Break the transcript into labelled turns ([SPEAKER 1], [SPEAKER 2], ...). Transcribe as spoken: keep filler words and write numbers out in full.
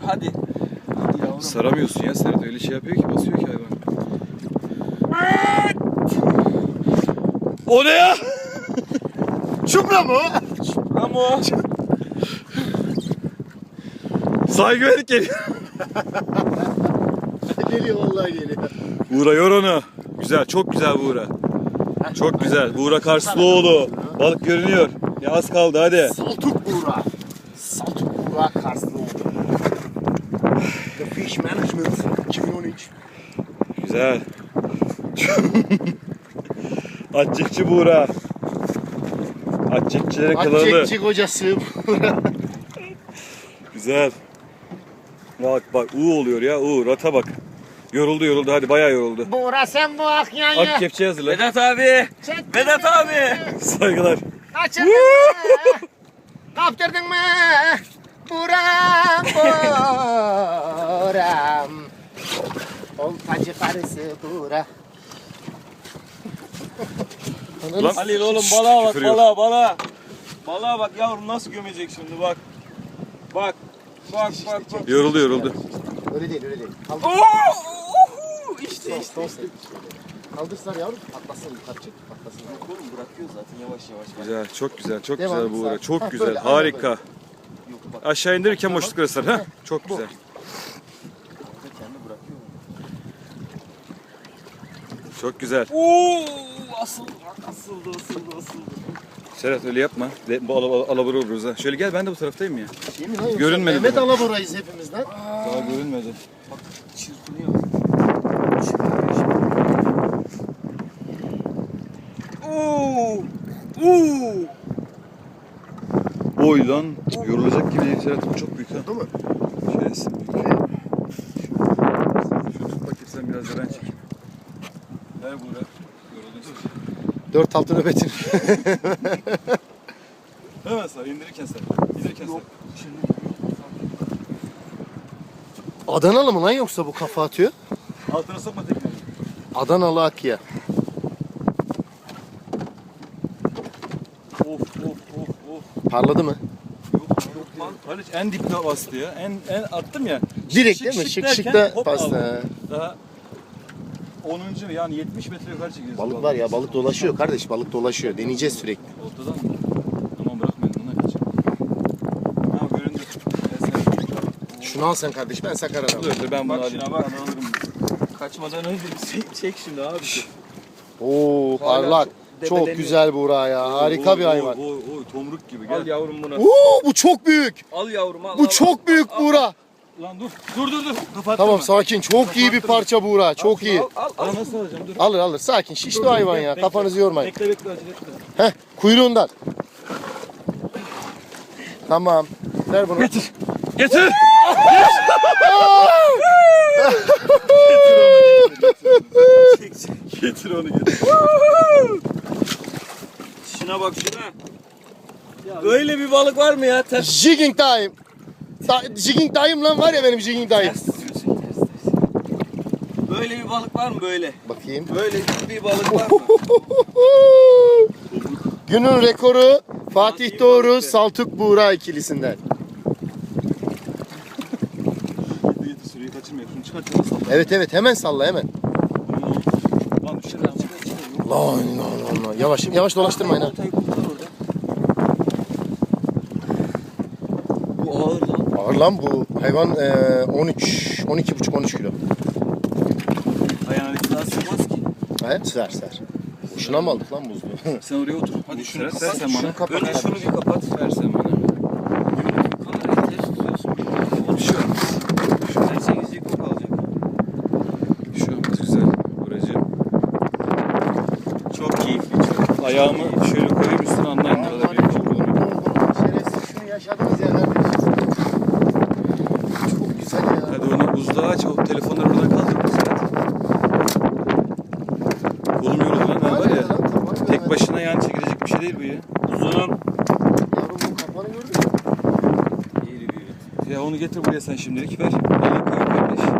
[SPEAKER 1] hadi. Hadi yavrum.
[SPEAKER 2] Saramıyorsun ya Serhat, öyle şey yapıyor ki, basıyor ki hayvan. O ne ya?
[SPEAKER 3] Çupra mı o?
[SPEAKER 1] Çupra mı o?
[SPEAKER 2] Saygı verdik geliyor.
[SPEAKER 3] Geliyor vallahi geliyor.
[SPEAKER 2] Buğra yor onu. Güzel, çok güzel Buğra. Çok güzel. Buğra Karslıoğlu. Balık görünüyor. Ya az kaldı, hadi.
[SPEAKER 3] Saltuk Buğra. Saltuk Buğra Karslıoğlu. The Fish Management iki bin on üç.
[SPEAKER 2] Güzel. Atçıkçı Buğra. Atçıkçılara kılalı.
[SPEAKER 3] Atçekçi kocası Buğra.
[SPEAKER 2] Güzel. Bak bak, U oluyor ya, U. Rata bak. Yoruldu yoruldu, hadi bayağı yoruldu.
[SPEAKER 3] Buğra sen bu akyanyı.
[SPEAKER 2] Ak kepçeyi hazırla.
[SPEAKER 1] Vedat abi.
[SPEAKER 3] Çektin
[SPEAKER 1] Vedat
[SPEAKER 3] mi?
[SPEAKER 1] abi.
[SPEAKER 2] Saygılar.
[SPEAKER 3] Kaçırdın mı? Kaptırdın mı? Buram buram. Oltacı karısı Buğra.
[SPEAKER 2] Lan.
[SPEAKER 1] Halil oğlum balığa bak,
[SPEAKER 2] Küfür yok.
[SPEAKER 1] balığa balığa. Balığa bak yavrum, nasıl gömecek şimdi, bak. Bak. Bak bak bak.
[SPEAKER 2] Yoruldu yoruldu.
[SPEAKER 3] Öyle değil öyle değil. Kaldır.
[SPEAKER 1] Oo! İşte işte.
[SPEAKER 3] Işte. Kaldırsınlar yavrum. Atlasın yukarı çık. Atlasın.
[SPEAKER 1] Oğlum bırakıyor zaten yavaş yavaş. Bak.
[SPEAKER 2] Güzel, çok güzel, çok
[SPEAKER 3] Devam,
[SPEAKER 2] güzel Buğra.
[SPEAKER 3] sağ.
[SPEAKER 2] Çok
[SPEAKER 3] Ha,
[SPEAKER 2] güzel,
[SPEAKER 3] böyle, aynen
[SPEAKER 2] harika.
[SPEAKER 1] Yok bak.
[SPEAKER 2] Aşağı indirirken boşluk arasın. Ha? Çok güzel.
[SPEAKER 1] Kendi bırakıyor.
[SPEAKER 2] Çok güzel.
[SPEAKER 1] Oo! Asıldı, asıldı, asıldı, asıldı.
[SPEAKER 2] Serhat öyle yapma. Le- Bu ala- alabora oluruz ha. Şöyle gel, ben de bu taraftayım ya.
[SPEAKER 3] Şey mi lan yoksa
[SPEAKER 2] Görünmedi
[SPEAKER 3] Mehmet
[SPEAKER 2] bana.
[SPEAKER 3] Alabora'yız hepimiz lan.
[SPEAKER 2] Daha görünmedi.
[SPEAKER 1] Bak çırpınıyor. Oo! Oo!
[SPEAKER 2] Oy lan. Yorulacak gibi değil Serhat. Bu çok büyük ha.
[SPEAKER 3] Değil mi?
[SPEAKER 2] Şeysi büyük. Şunu tut bakayım sen, biraz da ben çekeyim. Ver Buğra. Yoruldun sen.
[SPEAKER 3] Dört altı nöbetin.
[SPEAKER 2] Hemen sar, indirirken sar. İndirirken sar.
[SPEAKER 3] Adanalı mı lan yoksa bu kafa atıyor?
[SPEAKER 2] Altına sokma tekneyi.
[SPEAKER 3] Adanalı Akya.
[SPEAKER 2] Of of of of.
[SPEAKER 3] Parladı mı?
[SPEAKER 2] Yok yok lan. Haliç en dipte bastı ya. En en attım ya.
[SPEAKER 3] Direkt
[SPEAKER 2] Şık
[SPEAKER 3] değil mi?
[SPEAKER 2] şık
[SPEAKER 3] Şık şık
[SPEAKER 2] derken
[SPEAKER 3] da
[SPEAKER 2] hop
[SPEAKER 3] bastı.
[SPEAKER 2] aldı.
[SPEAKER 3] ha.
[SPEAKER 2] Daha onuncu yani yetmiş metre yukarı çekiyoruz.
[SPEAKER 3] Balık var ya, balık dolaşıyor kardeş, balık dolaşıyor. Deneyeceğiz sürekli.
[SPEAKER 2] Ortadan mı? Tamam, bırakmayın ona kaç. Ha göründü. Ben sen...
[SPEAKER 3] Şunu al sen kardeş, ben sakar
[SPEAKER 2] Dur
[SPEAKER 3] alayım.
[SPEAKER 2] dur, ben bunu
[SPEAKER 1] Bak
[SPEAKER 2] alayım.
[SPEAKER 1] şuna bak.
[SPEAKER 2] Ben alırım.
[SPEAKER 1] Kaçmadan önce bir çek, çek şimdi abi.
[SPEAKER 3] Oo parlak.
[SPEAKER 1] çok
[SPEAKER 3] Çok
[SPEAKER 1] debeleniyor.
[SPEAKER 3] güzel Buğra ya. Harika
[SPEAKER 2] Oy,
[SPEAKER 3] bir hayvan.
[SPEAKER 2] Oy oy oy, tomruk gibi
[SPEAKER 1] Al
[SPEAKER 2] gel.
[SPEAKER 1] yavrum bunu.
[SPEAKER 3] Oo bu çok büyük.
[SPEAKER 1] Al yavrum al.
[SPEAKER 3] Bu
[SPEAKER 1] al,
[SPEAKER 3] çok
[SPEAKER 1] al,
[SPEAKER 3] büyük
[SPEAKER 1] al,
[SPEAKER 3] Buğra.
[SPEAKER 2] Lan dur. Dur dur dur. Kapattırma.
[SPEAKER 3] Tamam sakin. Çok iyi bir parça Buğra. Çok iyi.
[SPEAKER 1] Al al al.
[SPEAKER 2] Aa, nasıl alacağım? Dur.
[SPEAKER 3] Alır alır. Sakin. Şişli o hayvan ya.
[SPEAKER 2] Bekle,
[SPEAKER 3] Kafanızı yormayın.
[SPEAKER 2] Bekle bekle, acele etme.
[SPEAKER 3] Heh. Kuyruğundan. Tamam. Ver bunu.
[SPEAKER 2] Getir. Getir.
[SPEAKER 1] Çek çek.
[SPEAKER 2] Getir onu getir.
[SPEAKER 1] Şuna bak şuna. Böyle bir balık var mı ya? Ters
[SPEAKER 3] Jigging time. Da jigging time lan var ya benim jigging time.
[SPEAKER 1] ters tutuyorsun, ters ters. Böyle bir balık var mı böyle?
[SPEAKER 3] Bakayım.
[SPEAKER 1] Böyle bir balık var mı?
[SPEAKER 3] Günün rekoru Fatih Doğru Saltuk Buğra ikilisinden.
[SPEAKER 2] Getir getir, süreyi kaçırma. Şunu çıkart. Nasıl?
[SPEAKER 3] Evet evet hemen salla hemen.
[SPEAKER 2] Lan düşer lan.
[SPEAKER 3] Lan lan lan lan. Yavaş yavaş dolaştırmayın ha.
[SPEAKER 1] Oltayı kurtar orada. Bu ağır lan.
[SPEAKER 3] Ağır lan bu hayvan eee, on üç on iki buçuk on üç kilo.
[SPEAKER 2] Ayağına dikkat.
[SPEAKER 1] Daha sığmaz ki.
[SPEAKER 3] He ser ser. Boşuna mı aldık lan buzlu?
[SPEAKER 2] Sen oraya otur. Hadi şunu
[SPEAKER 1] Serhat,
[SPEAKER 2] kapat.
[SPEAKER 1] sen
[SPEAKER 2] Sen
[SPEAKER 3] Şunu
[SPEAKER 2] bana.
[SPEAKER 3] kapat.
[SPEAKER 1] Önce şunu bir kapat.
[SPEAKER 2] Ver sen bana.
[SPEAKER 1] Kamerayı ters tutuyorsun.
[SPEAKER 2] Bir şey olmaz.
[SPEAKER 1] Şuradan sekizlik o kalacak.
[SPEAKER 2] Bir şey olmaz, güzel. Buracığım.
[SPEAKER 1] Çok keyifli, çok.
[SPEAKER 2] Ayağımı şöyle koyayım, üstüne anlayın. Ne kadar büyük olduğunu.
[SPEAKER 3] Şerefsiz şunu yaşadınız ya kardeşim. Çok güzel ya.
[SPEAKER 2] Hadi onu buzluğa aç. O telefonları oradan kaldır. Serhat. Kolum yoruldu lan. Ha, var ya. Tek başına yani çekilecek bir şey değil bu ya.
[SPEAKER 1] Uzun.
[SPEAKER 3] Yavrum bu kafanı gördün mü?
[SPEAKER 1] İyi bir.
[SPEAKER 2] Ya onu getir buraya sen şimdilik. Ver. Balığı koy kardeş.